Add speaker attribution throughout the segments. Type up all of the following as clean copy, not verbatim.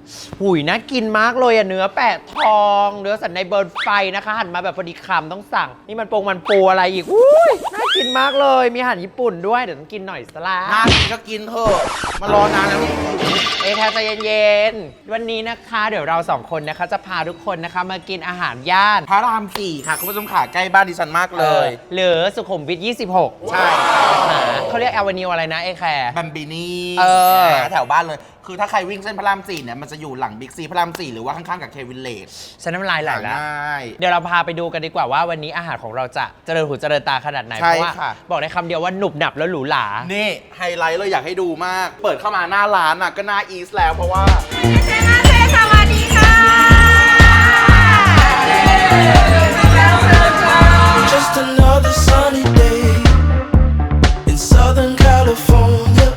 Speaker 1: หุยน่ากินมากเลยอะเนื้อแปะทองเนื้อสันในเบิร์นไฟนะคะหั่นมาแบบพอดีคำต้องสั่งนี่มันปูอะไรอีกอุ้ยน่ากินมากเลยมีอาหารญี่ปุ่นด้วยเดี๋ยวต้องกินหน่อยสละ
Speaker 2: น่ากินก็กินเถอะมารอนานแล้วนี่
Speaker 1: แค่ใจเย็นๆวันนี้นะคะเดี๋ยวเราสองคนนะคะจะพาทุกคนนะคะมากินอาหารย่าน
Speaker 2: พระราม4ค่ะคุณผู้ชมขาใกล้บ้านดิฉันมากเลย
Speaker 1: หรือสุขุมวิท 26
Speaker 2: ใช่ค่ะ
Speaker 1: เขาเรียกแอเวนิวอะไรนะแคร์
Speaker 2: บัมบินี่ แถวบ้านเลย คือถ้าใครวิ่งเส้นพระราม4เนี่ยมันจะอยู่หลังบิ๊กซีพระราม4หรือว่าข้างๆกับเควินเลจ
Speaker 1: ฉันน้ำลายไหลแล้ว
Speaker 2: ง่าย
Speaker 1: เดี๋ยวเราพาไปดูกันดีกว่าว่าวันนี้อาหารของเราจะเจริญหูเจริญตาขนาดไหน
Speaker 2: ใช่
Speaker 1: เพราะว่า
Speaker 2: ค่ะ
Speaker 1: บอกได้คำเดียวว่าหนุบหนับแล้วหรูหรา
Speaker 2: นี่ไฮไลท์เลยอยากให้ดูมาก เปิดเข้ามาหน้าร้านอ่ะก็หน้าอีสแล้วเพราะว่า
Speaker 3: สวัสดีค่ะ
Speaker 4: Just another sunny day in Southern California.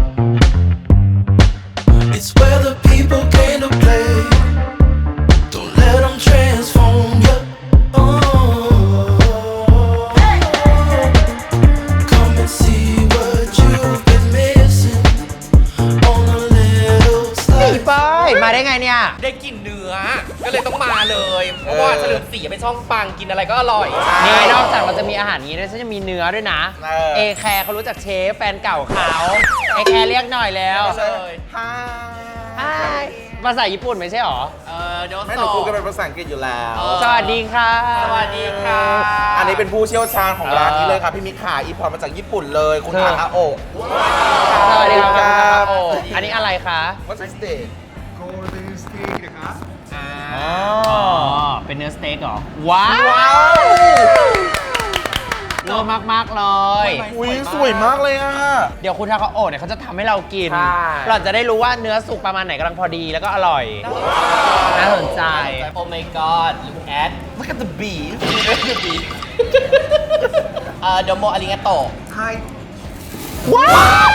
Speaker 4: It's where the people came to play. Don't let them transform you. Oh, come and see what you've been missing on a little
Speaker 1: พี่
Speaker 4: slide.
Speaker 1: เป้ยมาได้ไงเนี่ย
Speaker 5: ได้กลิ่นเนื้อ ก็เลยต้องมาเลย เพราะว่าเฉลิมศรีเป็นช่องปังกินอะไรก็อร่อย
Speaker 1: นี่นอกจากเราจะมีอาหารนี้ด้วยฉันจะมีเนื้อด้วยนะ
Speaker 2: เออ
Speaker 1: แคร์เขารู้จักเชฟแฟนเก่าเขาแคร์เรียกหน่อยแล้ว
Speaker 5: เลย
Speaker 2: ฮา
Speaker 1: Hi ภาษาญี่ปุ่นไม่ใช่หรอ
Speaker 5: เดี๋ยว
Speaker 2: ไม่หนูพูดกันเป็นภาษาอังกฤษอยู่แล้ว
Speaker 1: สวัสดีค่ะ
Speaker 5: สวัสดีค่ะ
Speaker 2: อันนี้เป็นผู้เชี่ยวชาญของร้านนี้เลยค่ะพี่มิกขาอีพอร์ตมาจากญี่ปุ่นเลยคุณทาคาโอะ
Speaker 1: สวัสดีค
Speaker 2: ครั
Speaker 1: รับบ โอ้อันนี้อะไรคะ
Speaker 2: What's this day
Speaker 1: อ๋อเป็นเนื้อสเต็กเหรอ ว้าวเลิศมาก ๆ เลย
Speaker 2: อุ้ยสวยมากเลยอ่ะ
Speaker 1: เดี๋ยวคุณทาคาโอะเนี่ยเขาจะทำให้เรากิน
Speaker 2: ใช่
Speaker 1: เราจะได้รู้ว่าเนื้อสุกประมาณไหนกำลังพอดีแล้วก็อร่อย น่าสนใจ
Speaker 5: โอ้ my god look at
Speaker 2: Look at the beef
Speaker 5: the beef โดโมอาริงาโต
Speaker 2: Hi
Speaker 1: ว้าว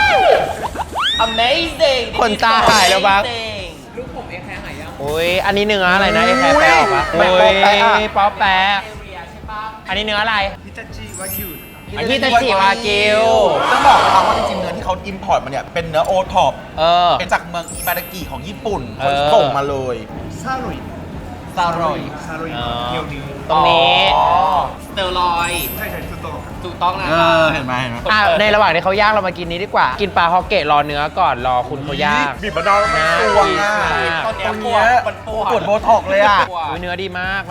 Speaker 5: amazing
Speaker 1: คนตาหายแล้วบ้าง
Speaker 5: Amazing
Speaker 1: อุ้ยอันนี้เนื้ออะไรนะไอ้แคร์แปะออกปะ
Speaker 2: แปะป๊อปแปะอะ
Speaker 1: โยป๊อปแปะอันนี้เนื้ออะไรฮิตาจิวากิว
Speaker 2: ต้องบอกนะครับว่าจริงๆเนื้อที่เขาอิมพอร์ตมาเนี่ยเป็นเนื้อโอท็อป
Speaker 1: เออ
Speaker 2: เป็นจากเมืองอิบารากิของญี่ปุ่น
Speaker 1: เอ
Speaker 2: เขา
Speaker 1: อ
Speaker 2: ส่งมาเลย
Speaker 5: ซาร่อย
Speaker 1: ตรงนี้
Speaker 5: สเตอรอยด์ใช่ถูกต้องนะ
Speaker 2: เห็นไหมเห็นไหม
Speaker 1: ในระหว่างที่เขาย่างเรามากินนี้ดีกว่า กินปลาฮอกเกะรอเนื้อก่อนรอคุณเขาย่าง
Speaker 2: บีบมะนาวแล้วมัน
Speaker 1: น่า
Speaker 2: สวง
Speaker 1: กิน
Speaker 2: อ่ะ
Speaker 1: มาก
Speaker 5: ตอนเนี้ย
Speaker 2: ตรงเนี้ย
Speaker 5: ปวด
Speaker 2: ปวดโบท็อกเลยอ่ะ
Speaker 1: อุ๊ยเนื้อดีมากแม่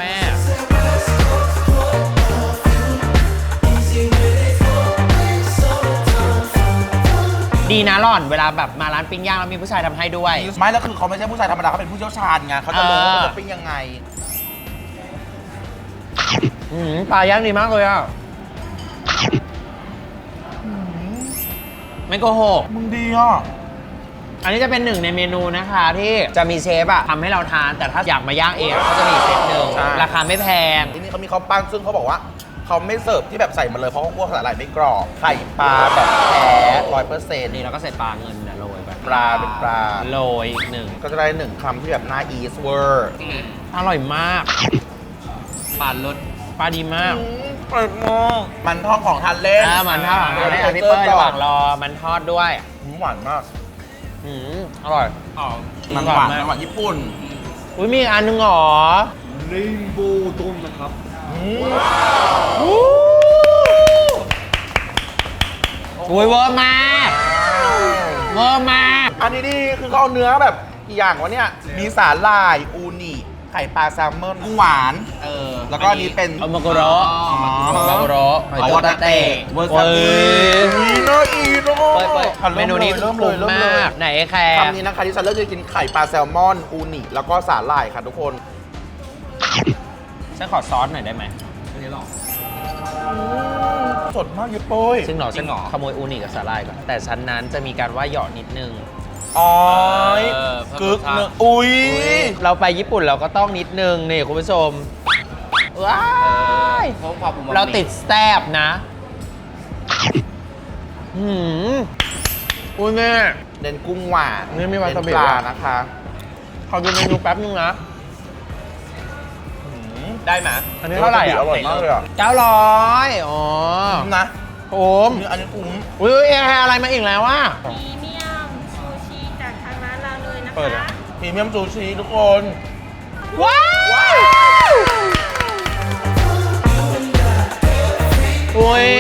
Speaker 4: Easy with it. Summertime.
Speaker 1: ดีนะหล่อนเวลาแบบมาร้านปิ้งย่างแล้วมีผู้ชายทำให้ด้วย
Speaker 2: ไม่แล้วคือเขาไม่ใช่ผู้ชายธรรมดาเขาเป็นผู้เชี่ยวชาญไงเขาจะรู้ว่าเขาจะปิ้งยังไง
Speaker 1: ปลาย่างดีมากเลยอ่ะไม่โกหก
Speaker 2: มึงดีอ่ะ
Speaker 1: อันนี้จะเป็นหนึ่งในเมนูนะคะที่จะมีเชฟอะทำให้เราทาน แต่ถ้าอยากมาย่างเองก็จะมีอีกเซตหนึ่ง
Speaker 2: ใช่
Speaker 1: ราคาไม่แพง
Speaker 2: ที่นี่เขามีข้าวปั้นซึ่งเขาบอกว่าเขาไม่เสิร์ฟที่แบบใส่มาเลยเพราะเขากลัวสาหร่ายไม่กรอบไข่ปลาแบบแท้100%
Speaker 1: นี่เราก็ใส่ปลาเงินนะโรยไป
Speaker 2: ปลาเป็นปลา
Speaker 1: โรยอีกหนึ่ง
Speaker 2: ก็จะได้หนึ่งคำที่แบบหน้าอีสเวอร์
Speaker 1: อร่อยมาก
Speaker 5: ปานรส
Speaker 1: ปลาดีมาก
Speaker 2: เปิดมองมันทอดของทานเล่น
Speaker 1: มันทอดเราได้พี่เปิ้ลระหว่างรอมันทอดด้วย
Speaker 2: หวานมาก
Speaker 1: อร่อย
Speaker 2: มันหวานมันหวานญี่ปุ่น
Speaker 1: อุ้ยมีอีกอันหนึงเหรอ
Speaker 6: レインボー丼นะครับ
Speaker 1: อุ้ยเวอร์มากเวอร์มาก
Speaker 2: อันนี้นี่คือเขาเอาเนื้อแบบกี่อย่างวะเนี่ย มีสาหร่ายอูนิไข่ปลาแซลมอนกุ้งหวาน แล้วก็อันนี้เป็น
Speaker 1: เอามาโกโรมาโกโร
Speaker 2: เอาวาตาเตะเวอร์ซาบิ
Speaker 1: เฮ้ย
Speaker 2: น่าอีกเนอะ
Speaker 1: เมนูนี้
Speaker 2: เริ่มเลย
Speaker 1: คุ้มมากไหนแคร์
Speaker 2: คำนี้นะคะที่ฉันเลือกจะกินไข่ปลาแซลมอนอูนิแล้วก็สาหร่ายค่ะทุกคน
Speaker 1: ฉันขอซอสหน่อยได้ไหม
Speaker 2: สดมากยุโป้ย
Speaker 1: ซึ่งหนอฉันขโมยอูนิกับสาหร่ายก่อนแต่ชั้นนั้นจะมีการว่าหยอดนิดนึง
Speaker 2: อ๋อย
Speaker 1: เพิ่มรสชาติ
Speaker 2: กึกเนื้ออุ้ย
Speaker 1: เราไปญี่ปุ่นเราก็ต้องนิดนึงนี่คุณผู้ชมว้าย
Speaker 5: เพราะความอุมามิ
Speaker 1: เราติดแซบนะอุ้ยแม่
Speaker 2: เน้นกุ้งหวาน
Speaker 1: นี่มีวาซาบิ
Speaker 2: เน้นปลานะคะ
Speaker 1: ขอดูเมนูแป๊บนึงนะ
Speaker 5: ได้ไหม
Speaker 1: อันนี้เท่าไหร่อ่ะ
Speaker 2: อร่อยมากเลยอ่ะ
Speaker 1: 900อ๋อ
Speaker 2: นะ
Speaker 1: ผม
Speaker 2: อันนี้คุ้ม
Speaker 1: อุ้ยแอร์อะไรมาอีกแล้ววะ
Speaker 3: พรีเมียมซูชิจากทางร้านเราเลยนะ
Speaker 1: เปิด
Speaker 3: คะ
Speaker 1: อะ
Speaker 2: พรีรีเมียมซูชิทุกคน
Speaker 1: ว้าวโอ้ย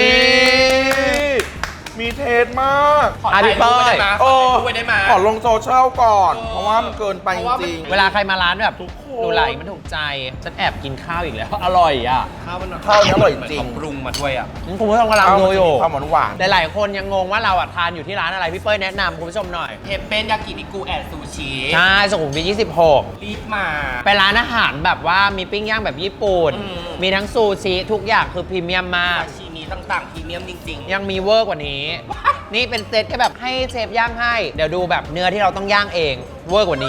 Speaker 2: มีเทสมาก
Speaker 5: ขอถ่ายรูปไว้ได้ไหมขอถ่ายรูปไว้ได้ไหม
Speaker 2: ขอลงโซเชียลก่อน
Speaker 5: เออ
Speaker 2: เพราะว่ามันเกินไป
Speaker 5: เพ
Speaker 2: จ
Speaker 5: ราะว่ามัน
Speaker 2: ริง
Speaker 1: เวลาใครมาร้านแบบ
Speaker 2: ทุกคน
Speaker 1: ดูไหลมันถูกใจ ฉันแอบกินข้าวอีกแล้ว อร่อยอ่ะ
Speaker 5: ข้าวมัน
Speaker 2: ข้าวนี้อร่อยจริง
Speaker 5: เหมืนเขาปรุงมาด้วยอ่ะ
Speaker 1: คุณผู้ชมกำลังดูอยู่
Speaker 2: ความหวาน
Speaker 1: หลายๆคนยังงงว่าเราอ่ะทานอยู่ที่ร้านอะไร พี่เป้ยแนะนำคุณผู้ชมหน่อย
Speaker 5: เทปเป็นยากินิกุแอนซูชิ
Speaker 1: ใช่สุขุมวิท26
Speaker 5: รีบมา
Speaker 1: เป็นร้านอาหารแบบว่ามีปิ้งย่างแบบญี่ปุ่น
Speaker 5: อืม
Speaker 1: มีทั้งซูชิทุกอย่างคือพรีเมียมมาก
Speaker 5: ซาชิมิต่างๆพรีเมียมจริงๆ
Speaker 1: ยังมีเวอร์กว่านี้ นี่เป็นเซตแค่แบบให้เชฟย่างให้ เดี๋ยวดูแบบเนื้อที่เราต้องย่างเอง เวอร์กว่านี้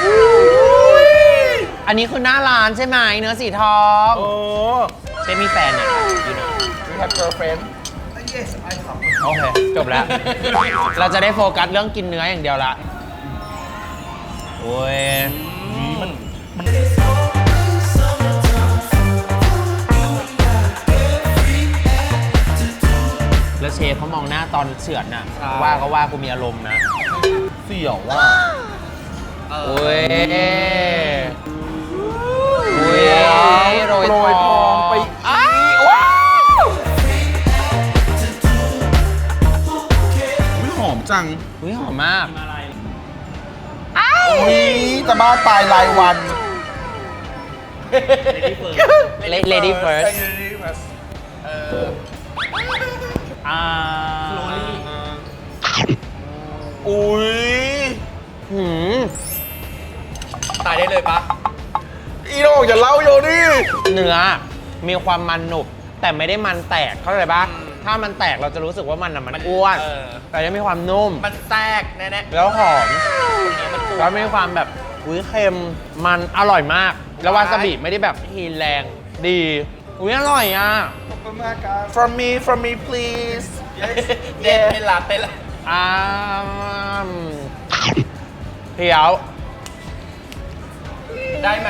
Speaker 1: อันนี้คือหน้าร้านใช่ไหมเนื้อสีทอง
Speaker 2: ๆโอ้
Speaker 1: เชฟมีแฟนเนี่ยอยู่นะ
Speaker 2: we have girlfriend
Speaker 1: โอเค จบแล้ว เราจะได้โฟกัสเรื่องกินเนื้ออย่างเดียวละ โอ้ย แล้วเชฟเขามองหน้าตอนเฉือนน่ะ
Speaker 5: ใช่
Speaker 1: ว่าก็ว่ากูมีอารมณ์นะ
Speaker 2: เสี่ยวว่า
Speaker 1: โอ้ยโอ้ยโรย
Speaker 2: โรยทองไปอีก
Speaker 1: อ้าว
Speaker 2: ว้าวอุ๊ยหอมจัง
Speaker 1: อุ้ยหอมมาก
Speaker 2: อุ้ยจะบ้าตายรายวัน
Speaker 1: Lady first
Speaker 2: Lady first
Speaker 1: อ่า
Speaker 2: อุ้ย
Speaker 1: หืม
Speaker 5: ตายได้เลยปะ
Speaker 2: อีโดอย่าเล่าโยนี่
Speaker 1: เนื้อมีความมันหนุบ แต่ไม่ได้มันแตกเข้าใจปะถ้ามันแตกเราจะรู้สึกว่ามันอ่ะมันอ้วน แต่ยังมีความนุ่ม
Speaker 5: มันแทรกแน่
Speaker 1: แล้วหอม
Speaker 5: ๆมัน
Speaker 1: แล้วมีความแบบอุ้ยเค็มมันอร่อยมาก แล้ววาซาบิไม่ได้แบบฮีนแรงดีอุ้ยอร่อยอ่ะ
Speaker 2: from me please
Speaker 5: เต้นเป็นละเต้นละ
Speaker 1: อ่าเพียว
Speaker 5: ได้ไหม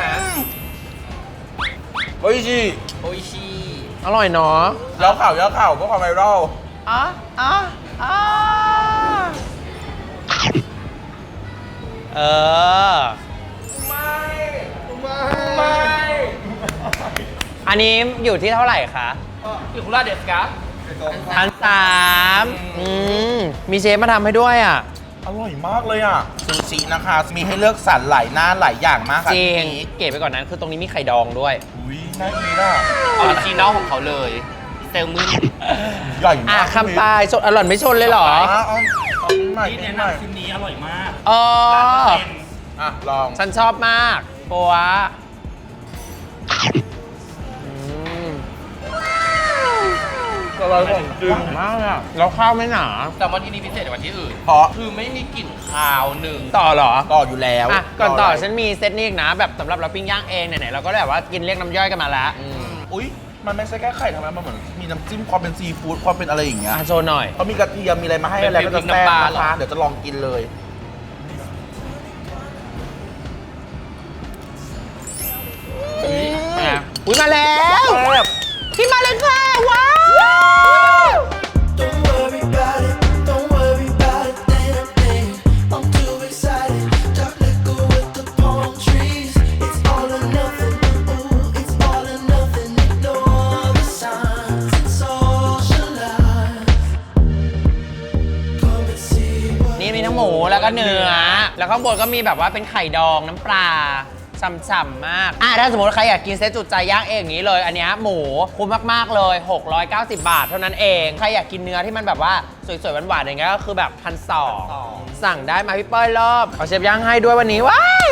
Speaker 2: โอ้ยจี
Speaker 5: โออิชิ
Speaker 1: อร่อยเนาะ
Speaker 2: แล้วข่าวเพื่อความไวรัล
Speaker 1: อ่ะอ่ะอ่ะเออ
Speaker 2: ไม่
Speaker 1: อันนี้อยู่ที่เท่าไหร่คะ
Speaker 5: อิคุระเดสกะ
Speaker 1: 1,300มีเชฟมาทำให้ด้วยอ่ะ
Speaker 2: อร่อยมากเลยอ่ะซูชินะคะ มีให้เลือกสรรหลายหน้าหลายอย่างมากค่ะ
Speaker 1: จริง
Speaker 2: ที่นี้
Speaker 1: เก๋ไปกว่อนนั้นคือตรงนี้มีไข่ดองด้วย
Speaker 2: อุ้ยน่ากินอ่ะ
Speaker 5: ออริจินอลของเขาเลยเซลมึน
Speaker 2: ใหญ่
Speaker 1: อ่ะ
Speaker 2: มาก
Speaker 1: คำปลายชนอร่อยไม่ชนเลยเหรอ
Speaker 2: เอาใหม่
Speaker 6: ที่
Speaker 2: ให
Speaker 6: แนะ
Speaker 2: ม่
Speaker 6: นำชิ้นนี้อร่อยมาก
Speaker 1: เออ
Speaker 2: อ่ะ ลอง
Speaker 1: ฉันชอบมากปัวอืม
Speaker 2: อร่อยของจริง
Speaker 1: มากอ่ะแล้วข้าวไม่หนา
Speaker 5: แต่วันที่นี้พิเศษกว่าที่อื่น
Speaker 2: เพราะ
Speaker 5: คือไม่มีกลิ่นคาวหนึ่ง
Speaker 1: ต่อเหรอ
Speaker 2: ต่ออยู่แล้ว
Speaker 1: อ่ะก่อนต่อ
Speaker 2: อะไร
Speaker 1: ฉันมีเซตนี้อีกนะ แบบสำหรับเราปิ้งย่างเองไหนๆเราก็แบบว่ากินเรียกน้ำย่อยกันมาแล้ว
Speaker 2: อุ้ยมันไม่ใช่แค่ไข่ทำไมมันเหมือนมีน้ำจิ้มความเป็นซีฟู้ดความเป็นอะไรอย่างเงี้ย
Speaker 1: อ่ะโชว์หน่อย
Speaker 2: เขามีกระเทียมมีอะไรมาให้อะไรก็จะแซ่บนะคะเดี๋ยวจะลองกินเลย
Speaker 1: อุ้ยมาแล้วพี่มาเลยค่ะ ว้าว
Speaker 4: Don't worry about it, don't worry about a damn thing. I'm too excited. Dark liquor with the palm trees. It's all or nothing. Ooh, it's all or nothing. Ignore the signs and socialize. Come and see what
Speaker 1: นี่มีทั้งหมูแล้วก็เนื้อ แล้วข้างบนก็มีแบบว่าเป็นไข่ดองน้ำปลาฉ่ำๆมากถ้าสมมติใครอยากกินเซตจุดใจย่างเองอย่างนี้เลย อันเนี้ยหมูคุ้มมากๆเลย 690 บาทเท่านั้นเอง ใครอยากกินเนื้อที่มันแบบว่าสวยๆหวานๆอย่างเงี้ยก็คือแบบ1,200สั่งได้มาพี่เป้ยรอบเอาเชฟย่างให้ด้วยวันนี้ว้าว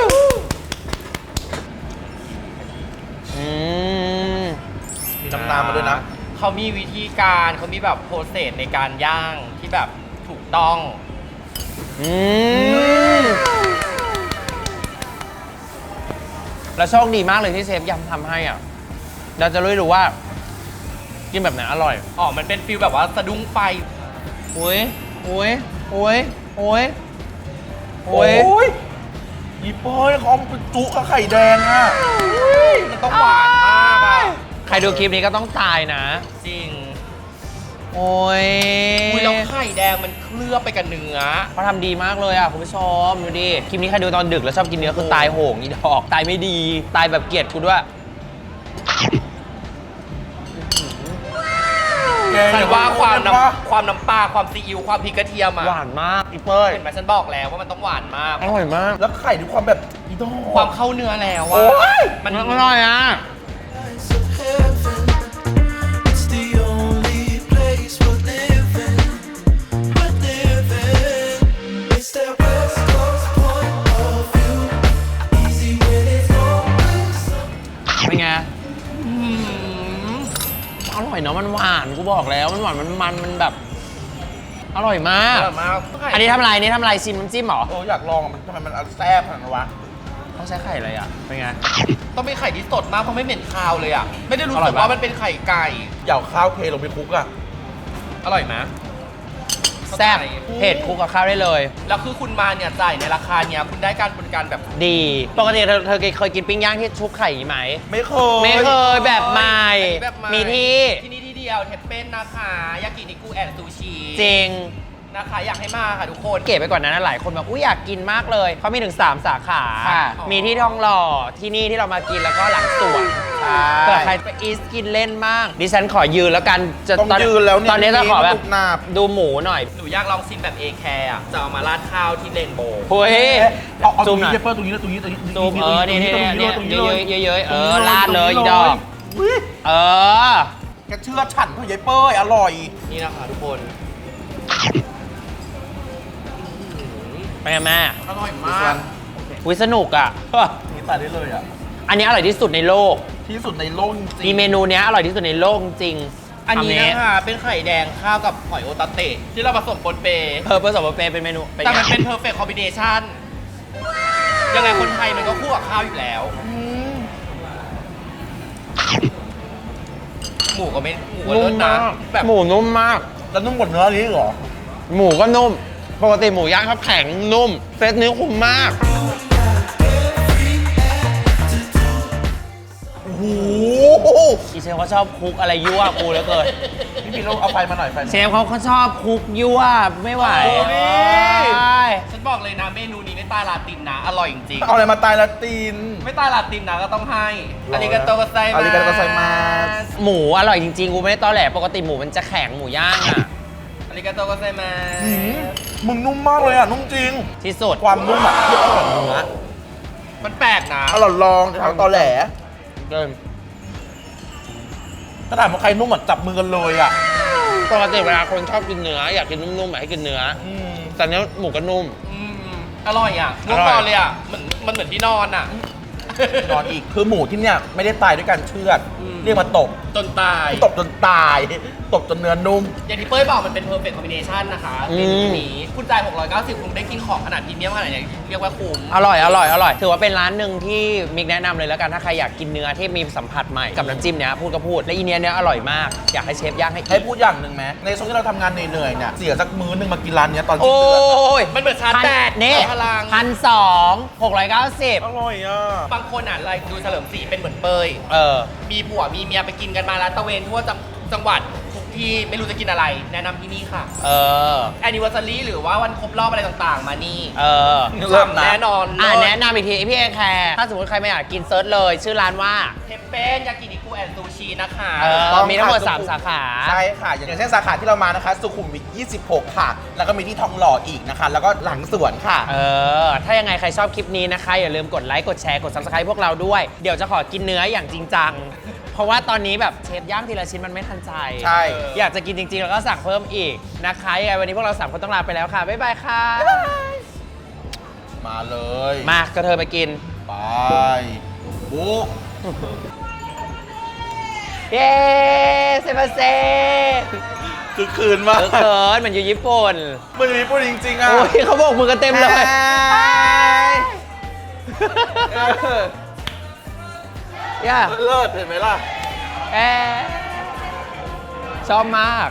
Speaker 2: มีน้ำตาลมาด้วยนะ
Speaker 5: เขามีวิธีการเขามีแบบโปรเซสในการย่างที่แบบถูกต้อง
Speaker 1: แล้วโชคดีมากเลยที่เชฟยำทำให้อ่ะเราจะรู้ว่ากินแบบไหนอร่อย
Speaker 5: อ๋อ มันเป็นฟิลแบบว่าสะดุ้งไฟ
Speaker 1: โอ้ยโอ้ยโอ้ยโอ้ยโอ้
Speaker 2: โอ้
Speaker 1: ย
Speaker 2: ยอีปอยเขาเอามาเป็นจุกับไข่แดงอ่ะ
Speaker 5: มันต้องหวานมากอ่ะ
Speaker 1: ใครดูคลิปนี้ก็ต้องตายนะ
Speaker 5: จริง
Speaker 1: โอ้ย
Speaker 5: อุ้ยแล้วไข่แดงมันเคลือบไปกับเนื้อ
Speaker 1: เขาทำดีมากเลยอ่ะคุณผู้ชมดูดิคลิปนี้ใครดูตอนดึกแล้วชอบกินเนื้อคือตายโหงอีดอกตายไม่ดีตายแบบเกลียดกูด้วย
Speaker 5: ฉันว่าความน้ำปลาความซีอิ๊วความพริกกระเทียมอะ
Speaker 1: หวานมากอีเป้ย
Speaker 5: เห็นไหมฉันบอกแล้วว่ามันต้องหวานมาก
Speaker 1: อร่อยมาก
Speaker 2: แล้วไข่ด้วยความแบบอีดอก
Speaker 5: ความเข้าเนื้อแล้ว
Speaker 2: โอ้
Speaker 5: อะ
Speaker 2: ย
Speaker 5: มัน
Speaker 1: อร่อยอ่ะ
Speaker 4: Lights of heaven. It's the only place we're living. We're living. It's that West Coast point of view. Easy when it's always something.
Speaker 1: เป็นไงอร่อยเนาะมันหวานกูบอกแล้วมันหวานมันแบบ อร่อยมาก
Speaker 5: อร่อยมาก
Speaker 1: อันนี้ทำอะไรนี่ทำอะไรชิมน้ำจิ้มเหรอ
Speaker 2: อยากลองอะมันทำไมมันแซ่บขนาดนั้นวะ
Speaker 1: ต้องใช้ไข่อะไรอ่ะเป็นไง
Speaker 5: ต้องเป็นไข่ที่สดมากเพราะไม่เหม็นคาวเลยอะไม่ได้รู้
Speaker 1: อร่
Speaker 5: สึ
Speaker 1: อย
Speaker 5: ก
Speaker 1: ปะ
Speaker 5: ว่ามันเป็นไข่ไก่
Speaker 2: อยากเอาข้าวเทลงไปคลุกอะ
Speaker 5: อร่อยไหม
Speaker 1: แซ่บเผ็ดคลุกกับข้าวได้เลย
Speaker 5: แล้วคือคุณมาเนี่ยจ่ายในราคาเนี้ยคุณได้การบริการแบบ
Speaker 1: ดี ปกติเธอเคยกินปิ้งย่างที่ชุบไข่อย่างนี้ไหม
Speaker 2: ไม่เคย
Speaker 1: ไม่เคยแบบใหม่
Speaker 5: แบบให
Speaker 1: มีที่
Speaker 5: ที่นี่ที่เดียวเทปเป็นนะคะยากินิกุแอนซูชิ
Speaker 1: จริง
Speaker 5: นะคะอยากให้มาค่ะทุกคน
Speaker 1: เก๋ไปกว่านั้นนะหลายคนแบบอุ้ยอยากกินมากเลยเขามีถึง 3 สาขา
Speaker 2: ค่ะ
Speaker 1: มีที่ทองหล่อที่นี่ที่เรามากินแล้วก็หลังสวน
Speaker 2: ใช่
Speaker 1: เผื่อใครไปอีสกินเล่นบ้างดิฉันขอยืนแล้วกันจะ
Speaker 2: ต้องยืนแล้วเนี่ย
Speaker 1: ตอนนี้จะขอแบบ
Speaker 2: มีลูกหนาบ
Speaker 1: ดูหมูหน่อย
Speaker 5: หนูอยากลองชิมแบบเอแคร์อ่ะจะเอามาราดข้าวที่เรนโบว์
Speaker 1: เฮ้ย
Speaker 2: เอาต
Speaker 1: ซู
Speaker 2: รง
Speaker 1: มหน่
Speaker 2: นี้
Speaker 1: อย
Speaker 2: เปอร์ตรงนี้เลยตรงนี้ตรงนี้
Speaker 1: ซูมนี่นี่
Speaker 2: ตรงนี้
Speaker 1: นี่
Speaker 2: ตรงนี้เลย
Speaker 1: เยอะๆลาดเลยอีดอก
Speaker 2: อุ๊ย
Speaker 1: เออ
Speaker 2: แกเชื่อฉันเถอะยายเป้ยอร่อย
Speaker 5: นี่นะคะทุกคน
Speaker 1: ไปกันแม่
Speaker 5: อร่อยมาก
Speaker 1: วิสนุกอ่ะ
Speaker 2: นี่ตายได้เลยอ่ะ
Speaker 1: อันนี้อร่อยที่สุดในโลก
Speaker 2: ที่สุดในโลกจริง
Speaker 1: มีเมนูเนี้ยอร่อยที่สุดในโลกจริง
Speaker 5: อันนี้นะคะเป็นไข่แดงข้าวกับหอยโอตาเตะที่เราผสมปนเป
Speaker 1: ผสมกับเปเป็นเมนูเป็น
Speaker 5: แต่มัน
Speaker 1: ไง
Speaker 5: เป็น perfect combination ยังไงคนไทยมันก็คู่กับข้าวอยู่แล้ว หมูก็ไม่หมูก็
Speaker 1: นุ่
Speaker 5: เลิ
Speaker 1: ม
Speaker 5: ศนะ
Speaker 1: มาก
Speaker 5: แบบ
Speaker 1: หมูนุ่มมาก
Speaker 2: แล้วนุ่มกว่าเนื้อนี้เหรอ
Speaker 1: หมูก็นุ่ม ปกติหมูย่างเขาแข็งนุ่ม เซตนี้คุ้มมาก
Speaker 2: โอ้โห
Speaker 1: อีเชฟเขาชอบคุกอะไรยั่วกูเหลือเกิน
Speaker 2: พี่พีเราเอาไฟมาหน่อยไฟ
Speaker 1: เชฟเขาชอบคุกยั่วไม่ไหว
Speaker 2: โอ้นี่
Speaker 1: ใช่
Speaker 5: ฉันบอกเลยนะเมนูนี้ไม่ตายลาตินนะ อร่อยจริง
Speaker 2: เอาอะไรมาตายละตีน
Speaker 5: ๆไม่ตายลาตินนะก็ต้องให้
Speaker 2: รอ
Speaker 5: อาริกาโตกัสไซมา
Speaker 2: อาริกาโตไซมัส
Speaker 1: หมูอร่อยจริงๆ กูไม่ได้ตอแหลปกติหมูมันจะแข็งหมูย่างอ่ะ
Speaker 5: อาริกาโตกัสไซมา
Speaker 2: หืมมึงนุ่มมากเลยอ่ะ นุ่มจริง
Speaker 1: ที่สุด
Speaker 2: ความนุ่มอ่ะเทียบกับเนื้อ
Speaker 5: มันแปลกนะ
Speaker 2: อร่อยลองจะทำตอแหล
Speaker 1: เกิน
Speaker 2: ถ้าถามว่าใครนุ่มอ่ะจับมือกันเลยอ่ะ
Speaker 1: ปกติเวลาคนชอบกินเนื้ออยากกินนุ่มๆอยากให้กินเนื้อ
Speaker 2: อืม
Speaker 1: แต่เนี้ยหมูก็นุ่ม
Speaker 5: อืมอร่อยอ่ะนุ่ม
Speaker 1: อร่อย
Speaker 5: นอนเลยอ่ะมันเหมือนที่นอนอ่ะ
Speaker 2: นอนอีกคือหมูที่เนี่ยไม่ได้ตายด้วยการเชือด
Speaker 5: อืม
Speaker 2: เรียกมาตบ
Speaker 5: จนตาย
Speaker 2: ตบจนตาย ตบจนเนื้อนุ่ม
Speaker 5: อย่างที่เป้ยบอกมันเป็น perfect combination นะคะเมนูนี้คุณจ่าย690คุณได้กินของขนาดพรีเมียมขนาดไหนเรียกว่าคุ้ม
Speaker 1: อร่อยถือว่าเป็นร้านหนึ่งที่มิกแนะนำเลยแล้วกันถ้าใครอยากกินเนื้อที่มีสัมผัสใหม่กับน้ำจิ้มเนี้ยพูดก็พูดและอีเนี้ยอร่อยมากอยากให้เชฟย่างให้
Speaker 2: ให้พูดอย่างหนึ่งไหมในช่วงที่เราทำงานเหนื่อยๆเนี่ยเสียสักมื้อหนึงมากินร้านเนี้ยตอนสิ้น
Speaker 1: โอ้
Speaker 2: เดือนอะ
Speaker 1: ย
Speaker 5: มันเหมือนชาร์จแบต
Speaker 1: นี่
Speaker 5: พลัง
Speaker 1: 1,200
Speaker 2: อร่อยอ่ะ
Speaker 5: บางคนอ่ะอะไรดูเฉลิมศรีเป็นเหมือนเปย
Speaker 1: เออ
Speaker 5: มีผัวมีเมียไปกินกันมาแล้วตะเวนทั่วจังหวัดทุกที่ไม่รู้จะกินอะไร แนะนำที่นี่ค่ะ
Speaker 1: เออ
Speaker 5: anniversary หรือว่าวันครบรอบอะไรต่างๆ มานี่
Speaker 1: เออ
Speaker 2: เริ่มนะ
Speaker 5: แน่นอน
Speaker 1: แนะนำอีกทีพี่เอแคร์ถ้าสมมติใครไม่อยากกินเซิร์ชเลย ชื่อร้านว่า
Speaker 5: เทปเป็นยากินิกุแอนซูชินะคะ
Speaker 1: เออ มีทั้งหมด 3 สาขา
Speaker 2: ใช่ค่ะ อย่างเช่นสาขาที่เรามานะคะ สุขุมวิท 26 ค่ะ แล้วก็มีที่ทองหล่ออีกนะคะ แล้วก็หลังสวนค่ะ
Speaker 1: เออ ถ้ายังไงใครชอบคลิปนี้นะคะ อย่าลืมกดไลค์ กดแชร์ กด subscribe พวกเราด้วย เดี๋ยวจะขอกินเนื้ออย่างจริงจัง เพราะว่าตอนนี้แบบเชฟย่างทีละชิ้นมันไม่ทันใจ
Speaker 2: ใช่
Speaker 1: อยากจะกินจริงๆ แล้วก็สั่งเพิ่มอีกนะคะยังไงวันนี้พวกเรา3คนต้องลาไปแล้วค่ะ บ๊ายบายค่ะ
Speaker 2: มาเลย
Speaker 1: มากระเธอไปกิน
Speaker 2: ไปบุ๊ก
Speaker 1: เย้เซมาเซ่
Speaker 2: คือคืนมาก
Speaker 1: เขินเหมือนอยู่ญี่ปุ่น
Speaker 2: มันอยู่ญี่ปุ่นจริงๆอ่ะ
Speaker 1: โอ้ยเขาบอกมือกันเต็มเลย ย่า
Speaker 2: เลิศเห็นไหมล่ะ
Speaker 1: ชอบมาก